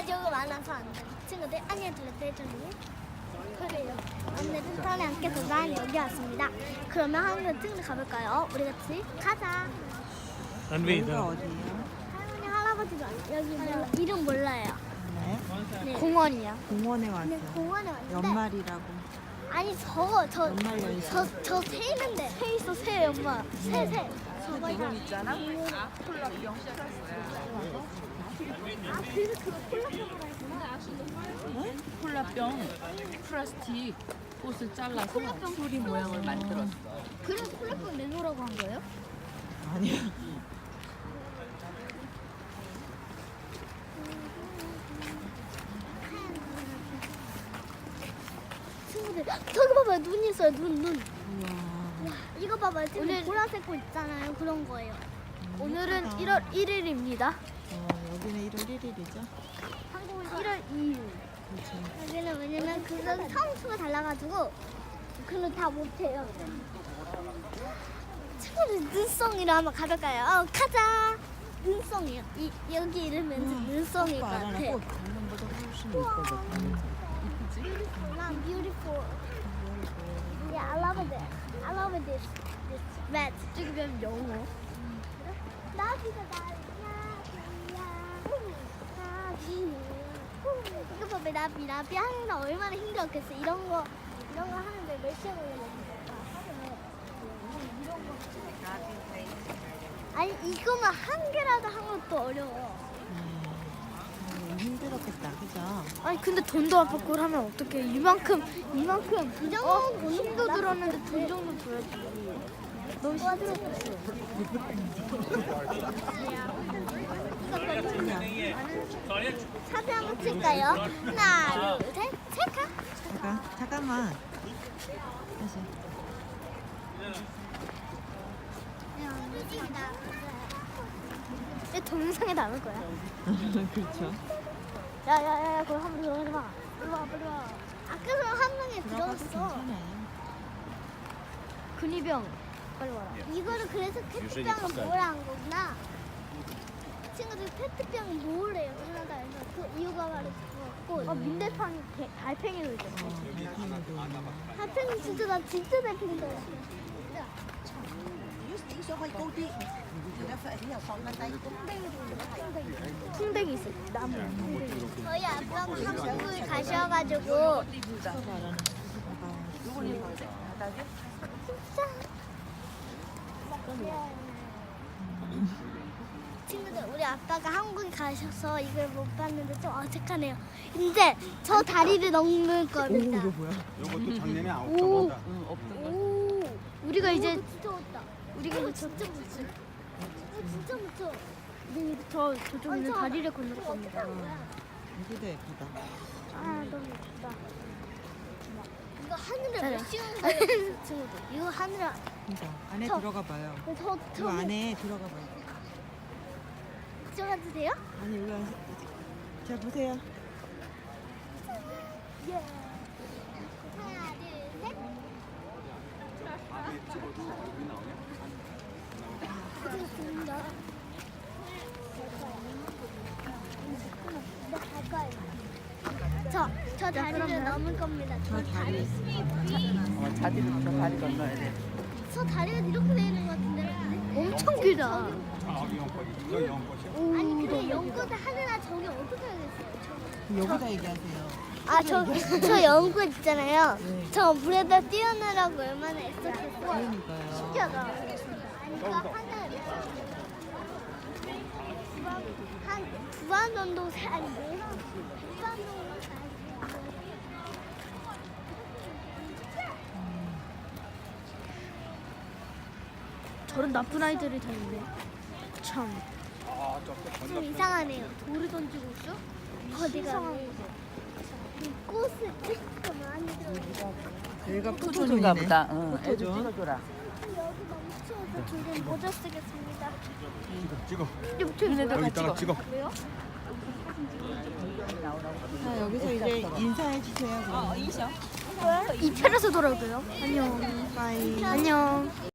조금 많아서 안 돼. 친구들 안녕 들렸대 좀. 그래요. 오늘은 턴에 함께서 난 여기 왔습니다. 그러면 한번 친구들 가볼까요? 우리 같이 가자. 안베이다. 어디예요? 할머니 할아버지도 여기 몰라, 이름 몰라요. 네. 네. 공원이야. 공원에 네, 왔어요. 공원에 왔는데 연말이라고. 아니 연말 연시. 저새 있는데 새 있어 새 엄마 새 저거 있잖아. 콜라병. 아 그래서 그거 콜라병으로 했구나. 콜라병 플라스틱 꽃을 잘라서 수리 모양을 만들었어. 그래서 콜라병 내놓으라고 한 거예요? 아니요. 친구들 저기 봐봐요 눈 있어요 눈. 우와. 이거 봐봐요 지금 보라색 꽃 있잖아요 그런 거예요. 오늘은 예쁘다. 1월 1일입니다. 여기는 1월 1일이죠? 한국은 1월 2일. 그렇죠. 여기는 왜냐면 그건 성수가 달라가지고 그걸 다 못해요. 친구들 눈송이로 한번 가볼까요? 가자. 눈송이요. 여기 이름은 눈송일 것 같아. 꽃 작년보다 훨씬 예뻐졌다. I'm beautiful. Yeah, I love it. I love this. This red. 찍으면 영어. 나비가 이거 봐봐 나비 항상 얼마나 힘들었겠어 이런 거 하는데 몇 시간 걸렸을까? 아니 이거만 한 개라도 한 것도 어려워. 힘들었겠다, 그죠? 아니 근데 돈도 안 받고 하면 어떡해? 이만큼 이 정도 힘도 들었는데 돈 정도 줘야지. 너무 힘들었어. 사진 한번 찍을까요? 하나, 둘, 셋, 찰칵. 잠깐만. 다시. 내 동영상에 담을 거야. 그렇죠. 야야야, 그거 한번 들어가지 마. 빨리 와, 빨리 와. 아까 그럼 한 명이 들어가도 들어갔어. 괜찮아요. 근위병. 빨리 와라. 이거를 그래서 페트병을 모으라는 거구나. 친구들 페트병 모으래요. 캐나다에서 그 이유가 바로 그거고. 민대판이 달팽이도 있었어. 달팽이 진짜 나 진짜 달팽이 좋아해. 풍뎅이 있어. 나무. 저희 아빠가 한국을 가셔가지고 친구들 우리 아빠가 한국에 가셔서 이걸 못 봤는데 좀 어색하네요. 이제 저 다리를 넘을 겁니다. 뭐야? 이것도 작년에 아홉 오. 번 오, 우리가 이제 진짜 멋다. 우리가 이거 이제 진짜 멋져. 이거 진짜 멋져. 저쪽 있는 다리를 건널 겁니다. 여기도 예쁘다. 아 너무 예쁘다. 이거 하늘에 네. 몇 시간 걸렸어 친구들. 이거 하늘에 그죠? 안에 저- 들어가 봐요. 저 이 안에 들어가 봐요. 들어가도 돼요? 아니, 여기 안에. 자, 보세요. 예. 하나 둘 셋. 찍었습니다. 저 다리를 넘을 겁니다. 저 다리. 저 다리 건너야 돼. 저 다리가 이렇게 돼 있는 것 같은데. 엄청 길다. 저기 연꽃이 저 연꽃이 아니 근데 연꽃 하느라 저기 어떻게 하겠어요? 여기다 얘기하세요. 저 연꽃 있잖아요. 네. 저 물에다 띄어내라고 얼마나 애썼겠어요. 그러니까요. 신기하다. 아니 이거 하늘 한 부안 정도 아니 뭐라 부안 정도 저런 나쁜 아이들이 다 있네. 참. 좀 이상하네요. 돌을 던지고 있어? 어디가? 이 꽃을 찍고 많이 들어. 여기가 포토존인가 포토존이네. 보다. 응. 애들 포토존. 찍어줘라. 여기 너무 추워서 둘은 모자 쓰겠습니다. 찍어 얘네들 여기 같이 있다가 찍어 왜요? 자, 여기서 이제 인사해 주세요. 그러면. 이 편에서 돌아올게요. 안녕. 빠이. 안녕.